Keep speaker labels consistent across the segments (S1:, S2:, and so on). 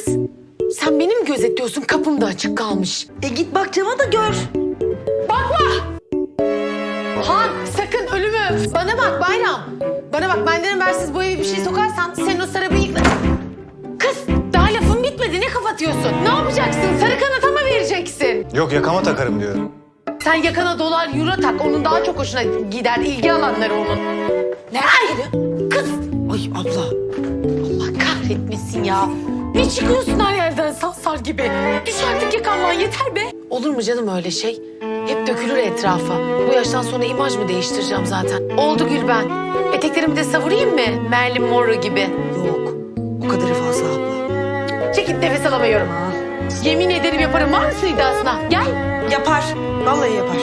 S1: Kız, sen beni mi gözetliyorsun? Kapım da açık kalmış.
S2: Git bak cama da gör.
S1: Bakma! Han, sakın ölümü. Bana bak Bayram. Bana bak, benden habersiz bu eve bir şey sokarsan senin o sarı bıyıkla... Kız, daha lafın bitmedi. Ne kapatıyorsun? Ne yapacaksın? Sarı kanata mı vereceksin?
S3: Yok, yakama takarım diyorum.
S1: Sen yakana dolar, euro tak. Onun daha çok hoşuna gider. İlgi alanları onun. Ne? Ay, kız!
S2: Ay abla.
S1: Allah kahretmesin ya. Ne çıkıyorsun her yerden sansar gibi? Düş artık yakandan, yeter be. Olur mu canım öyle şey? Hep dökülür etrafa. Bu yaştan sonra imaj mı değiştireceğim zaten? Oldu Gülben. Eteklerimi de savurayım mı? Marilyn Monroe gibi.
S2: Yok. O kadarı fazla abla.
S1: Çekip nefes alamıyorum. Yemin ederim yaparım. Var mısın iddiasına? Gel.
S2: Yapar. Vallahi yapar.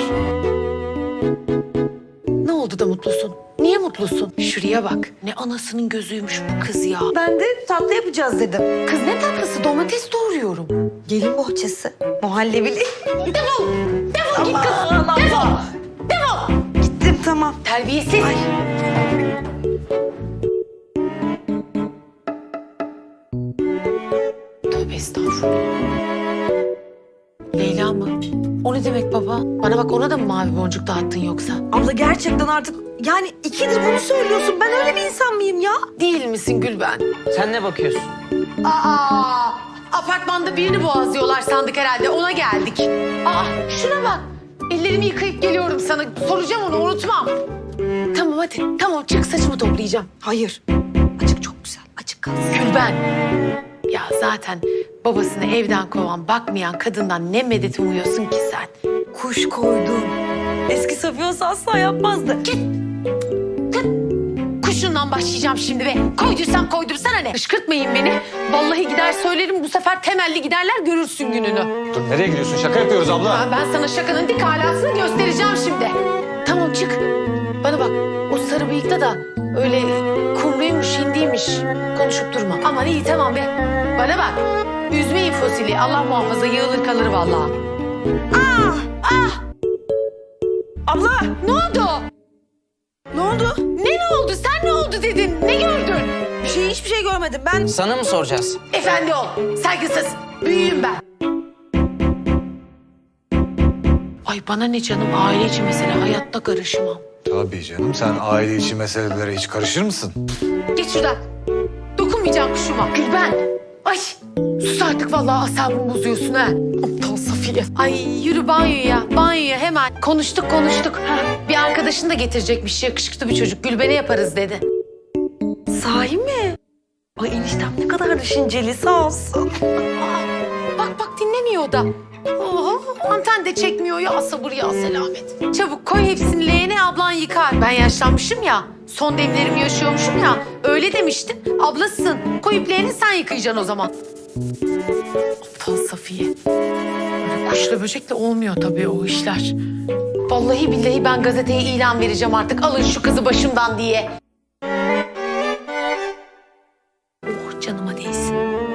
S1: Ne oldu da mutlusun? Niye mutlusun? Şuraya bak. Ne anasının gözüymüş bu kız ya.
S2: Ben de tatlı yapacağız dedim.
S1: Kız ne tatlısı? Domates doğruyorum.
S2: Gelin bohçası. Muhallebili.
S1: Defol! Defol git kız!
S2: Aman
S1: Defol!
S2: Allah.
S1: Defol!
S2: Gittim tamam.
S1: Terbiyesiz. Tövbe estağfurullah. Leyla mı? O ne demek baba? Bana bak, ona da mı mavi boncuk dağıttın yoksa?
S2: Abla gerçekten artık yani 2'dir bunu söylüyorsun. Ben öyle bir insan mıyım ya?
S1: Değil misin Gülben?
S4: Sen ne bakıyorsun?
S1: Aa! Apartmanda birini boğazlıyorlar sandık herhalde. Ona geldik. Aa! Şuna bak. Ellerimi yıkayıp geliyorum sana. Soracağım onu, unutmam. Tamam hadi. Tamam, çık, saçımı toplayacağım.
S2: Hayır. Açık çok güzel. Açık kalsın.
S1: Gülben. Ya zaten babasını evden kovan, bakmayan kadından ne medet umuyorsun ki sen?
S2: Kuş koydum. Eski Safiye olsa asla yapmazdı.
S1: Kuşundan başlayacağım şimdi be. Koydursam koydursana ne? Kışkırtmayın beni. Vallahi gider söylerim, bu sefer temelli giderler, görürsün gününü.
S3: Dur, nereye gidiyorsun? Şaka yapıyoruz abla.
S1: Ben sana şakanın dik alasını göstereceğim şimdi. Tamam, çık. Bana bak, o sarı bıyıkta da öyle kumruymuş, hindiymiş. Konuşup durma. Aman iyi, tamam be. Bana bak, üzmeyin fosili. Allah muhafaza, yığılır kalır vallahi.
S2: Abla
S1: Ne oldu?
S2: ne oldu?
S1: Ne oldu? Sen ne oldu dedin? Ne gördün?
S2: Hiçbir şey görmedim. Ben
S4: Sana mı soracağız?
S1: Efendi ol, saygısız. Büyüğüm ben. Ay bana ne canım, aile içi mesele, hayatta karışmam.
S3: Tabii canım, sen aile içi meselelere hiç karışır mısın?
S1: Geç şuradan. Dokunmayacağım kuşuma. Gülben. Ay sus artık, vallahi asabımı bozuyorsun ha. Aptal Safiye. Ay yürü banyoya, banyoya hemen. Konuştuk. Ha, bir arkadaşını da getirecekmiş, yakışıklı bir çocuk. Gülben'e yaparız dedi.
S2: sahi mi? Ay eniştem ne kadar düşünceli, sağ olsun.
S1: Aa, bak dinlemiyor o da. Oh, anten de çekmiyor ya, sabır ya selamet. Çabuk koy hepsini leğene, ablan yıkar. Ben yaşlanmışım ya, son demlerimi yaşıyormuşum ya. Öyle demiştin, ablasın. Koyup leğeni sen yıkayacaksın o zaman. Aptal Safiye. Böyle kuşla böcekle olmuyor tabii o işler. Vallahi billahi ben gazeteye ilan vereceğim artık. Alın şu kızı başımdan diye. Oh canıma değsin.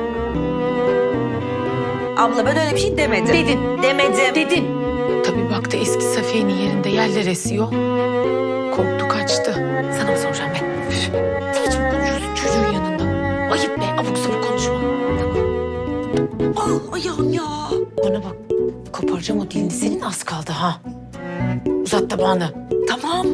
S2: Abla ben öyle bir şey demedim.
S1: Dedin.
S2: Demedim.
S1: Dedin. Tabii baktı eski Safiye'nin yerinde yerler esiyor. Korktu, kaçtı. Sana mı soracağım ben? Üf, ne biçim konuşuyorsun çocuğun yanında? Ayıp be, abuk sabuk konuşma.
S2: Al ayağım ya.
S1: Bana bak, koparacağım o dilini senin, az kaldı ha. Uzat tabağını.
S2: Tamam.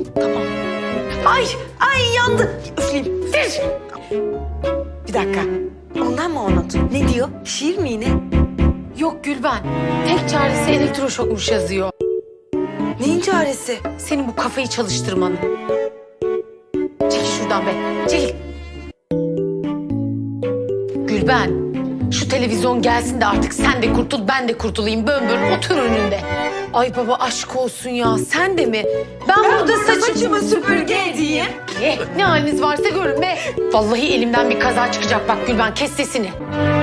S2: Ay yandı. Üfleyeyim. Bir dakika. Ondan mı unutun? Ne diyor? Şiir mi yine?
S1: Yok Gülben, tek çaresi elektroşokmuş yazıyor.
S2: Neyin çaresi?
S1: Senin bu kafayı çalıştırmanın. Çekil şuradan be, çekil. Gülben, şu televizyon gelsin de artık sen de kurtul, ben de kurtulayım. Bön otur önünde. Ay baba aşk olsun ya, sen de mi? Ben burada saçımı
S2: süpürge edeyim.
S1: Ne haliniz varsa görün be. Vallahi elimden bir kaza çıkacak bak Gülben, kes sesini.